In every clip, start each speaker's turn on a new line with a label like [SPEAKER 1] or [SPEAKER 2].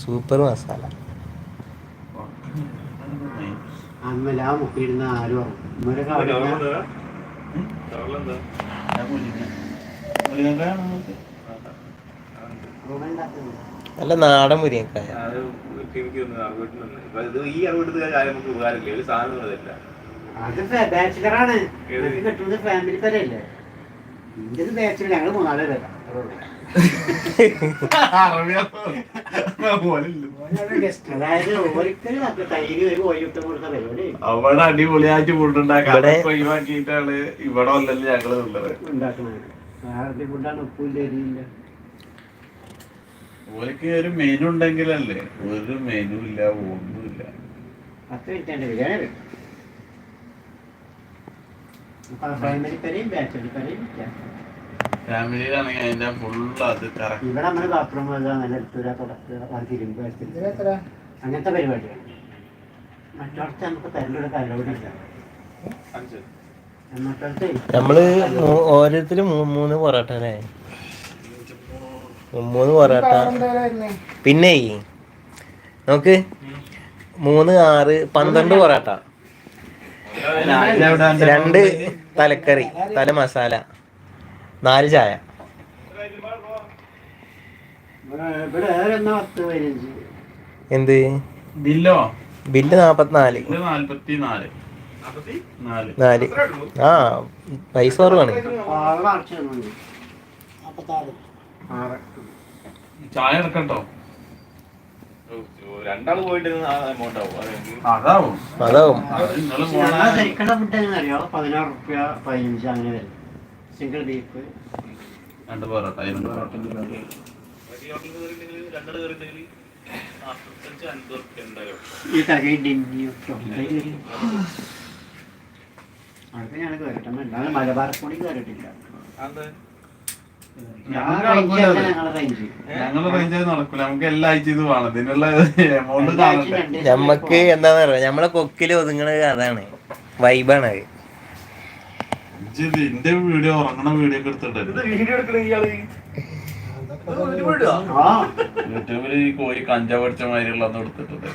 [SPEAKER 1] Super masala.
[SPEAKER 2] അമ്മല മുക്കിയിരുന്ന ആരും
[SPEAKER 1] നല്ല നാടൻ മുരിങ്ങക്കായ.
[SPEAKER 2] അത് ബാച്ചിലറാണ്. കിട്ടുന്നത് ഫാമിലി പേരല്ലേ. ഇന്ത്യൻ ബാച്ചിലർ ഞങ്ങൾ 3 പേരാ. അതായത് ഒരിക്കലും തൈര് ഒരു കോഴിമുട്ട കൊടുത്ത പരിപാടി
[SPEAKER 3] അവിടെ അടിപൊളിയായിട്ട് ഫുഡുണ്ടാക്കാണ്. ഒഴിവാക്കിയിട്ടാണ് ഇവിടെ വന്നല്ലേ ഞങ്ങള്
[SPEAKER 2] ഉണ്ടാക്കുന്നത്. വേറെ ഫുഡാണ്. ഉപ്പില്ല എരിയില്ല.
[SPEAKER 3] ഓർക്ക് ഒരു മെനു ഉണ്ടെങ്കിലല്ലേ. ഒരു മെനു ഇല്ല, ഒന്നുമില്ല.
[SPEAKER 2] 10 മിനിറ്റ് ബിരിയാണി വരും. ഫാമിലി പേരെയും ബാച്ചിലർ പേരെയും
[SPEAKER 3] ഫാമിലിയിലാണെങ്കിൽ അതിന്റെ ഫുള്ള് അത് കറക്റ്റ്.
[SPEAKER 2] ഇവിടെ നമ്മള് ബാത്റൂം അങ്ങനത്തെ പരിപാടിയാണ്. മറ്റോടത്ത് നമുക്ക് തരലൊരു അലൗഡില്ല.
[SPEAKER 1] നമ്മള് ഓരോരുത്തരും 3 പൊറോട്ട അല്ലേ? 3 പൊറോട്ട. പിന്നെ നമുക്ക് 3, 6, 12 പൊറോട്ട, 2 തലക്കറി, തല മസാല, 4 ചായ. എന്ത്
[SPEAKER 3] ബില്ലോ?
[SPEAKER 1] ബില്ല് 44. 4. ആ പൈസ കുറവാണ്.
[SPEAKER 3] ചായ എടുക്കട്ടോ?
[SPEAKER 4] രണ്ടാള് പോയിട്ട്
[SPEAKER 3] അതാവും.
[SPEAKER 2] ശരിക്കുള്ള ഫുഡ് എങ്ങനെയാ? 16 റുപ്യ 15 അങ്ങനെ വരും. Single beef
[SPEAKER 3] 2 porotta.
[SPEAKER 2] ഈ തകഴി അടുത്ത് ഞാൻ കേട്ടിട്ടുണ്ട്. മലബാർ കൂടി കേട്ടിട്ടില്ല.
[SPEAKER 3] ഞങ്ങള് റേഞ്ച് നടക്കൂല. നമുക്ക് എല്ലാ ആഴ്ച ഇത് വേണം. ഇതിനുള്ള എമൗണ്ട്
[SPEAKER 1] നമ്മക്ക് എന്താന്ന് പറയാ, നമ്മളെ കൊക്കില് ഒതുങ്ങണത് അതാണ്. വൈബാണ് അത്.
[SPEAKER 3] എന്റെ വീഡിയോ ഉറങ്ങണ വീഡിയോ ഒക്കെ എടുത്തിട്ട് യൂട്യൂബില് ഈ കോഴി കഞ്ചാവ് അടിച്ച മാതിരിയുള്ള ഒന്നും എടുത്തിട്ടുണ്ട്.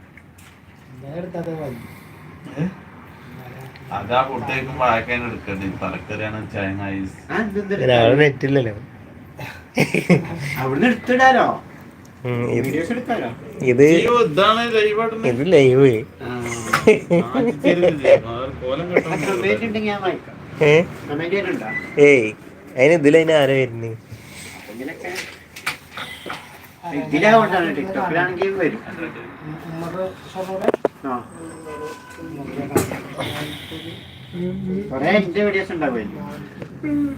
[SPEAKER 3] അതാ ഫുഡേക്കും വാഴക്കാൻ എടുക്കണ്ടേ. തലക്കറിയാണ് ചൈനീസ്.
[SPEAKER 1] നെറ്റില്ലല്ലോ. ഇത് ലൈവ്. ഏയ് അതിന് ആരാ വരുന്നത്?
[SPEAKER 2] ഇതിലാകൊണ്ടാണ്. ടിക്ടോക്കിലാണെങ്കിൽ വരും. കൊറേ എന്റെ വീഡിയോസ് ഉണ്ടാവുമല്ലോ.